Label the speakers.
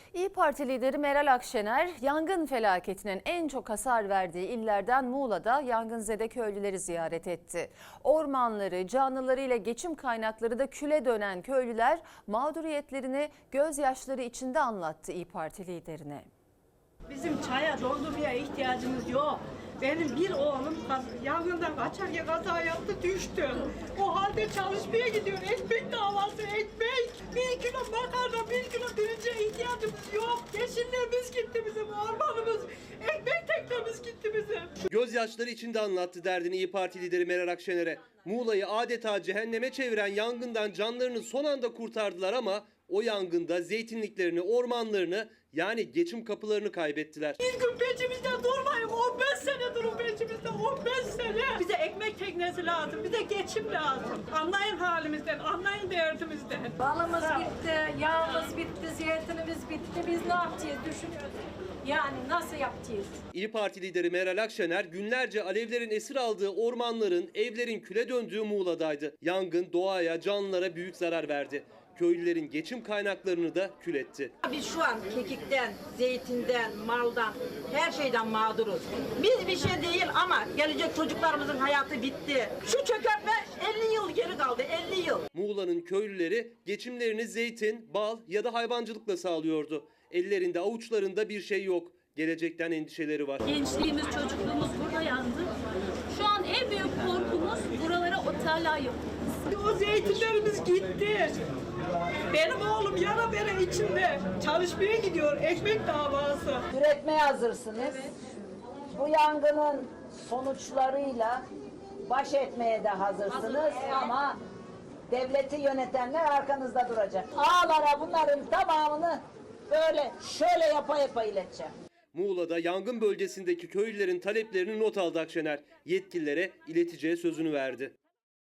Speaker 1: İYİ Parti lideri Meral Akşener, yangın felaketinin en çok hasar verdiği illerden Muğla'da yangınzede köylüleri ziyaret etti. Ormanları, canlılarıyla geçim kaynakları da küle dönen köylüler mağduriyetlerini gözyaşları içinde anlattı İYİ Parti liderine.
Speaker 2: Bizim çaya, dondurmaya ihtiyacımız yok. Benim bir oğlum yangından kaçarken kaza yaptı, düştü. O halde çalışmaya gidiyor. Ekmek davası, ekmek. 1 kilo makarna, 1 kilo pirince ihtiyacımız yok. Yeşillerimiz gitti bizim, ormanımız, ekmek teknemiz gitti bizim.
Speaker 3: Gözyaşları içinde anlattı derdini İYİ Parti lideri Meral Akşener'e. Muğla'yı adeta cehenneme çeviren yangından canlarını son anda kurtardılar ama o yangında zeytinliklerini, ormanlarını yani geçim kapılarını kaybettiler.
Speaker 2: Bir gün peşimizde durmayın, 15 sene durun peşimizde, 15 sene. Bize ekmek teknesi lazım, bize geçim lazım. Anlayın halimizden, anlayın derdimizden.
Speaker 4: Balımız bitti, yağımız bitti, zeytinimiz bitti. Biz ne yapacağız düşünüyoruz. Yani nasıl yapacağız?
Speaker 3: İYİ Parti lideri Meral Akşener günlerce alevlerin esir aldığı ormanların, evlerin küle döndüğü Muğla'daydı. Yangın doğaya, canlılara büyük zarar verdi. Köylülerin geçim kaynaklarını da kül etti.
Speaker 5: Biz şu an kekikten, zeytinden, maldan, her şeyden mağduruz. Biz bir şey değil ama gelecek çocuklarımızın hayatı bitti. Şu çökertme 50 yıl geri kaldı, 50 yıl.
Speaker 3: Muğla'nın köylüleri geçimlerini zeytin, bal ya da hayvancılıkla sağlıyordu. Ellerinde, avuçlarında bir şey yok. Gelecekten endişeleri var.
Speaker 6: Gençliğimiz, çocukluğumuz burada yandı. Şu an en büyük korkumuz buralara oteller yapılması.
Speaker 2: O zeytinlerimiz gitti. Benim oğlum yara bere içinde çalışmaya gidiyor, ekmek davası.
Speaker 7: Üretmeye hazırsınız. Bu yangının sonuçlarıyla baş etmeye de hazırsınız ama devleti yönetenler arkanızda duracak. Ağalara bunların tamamını böyle şöyle yapa ileteceğim.
Speaker 3: Muğla'da yangın bölgesindeki köylülerin taleplerini not aldı Akşener. Yetkililere ileteceği sözünü verdi.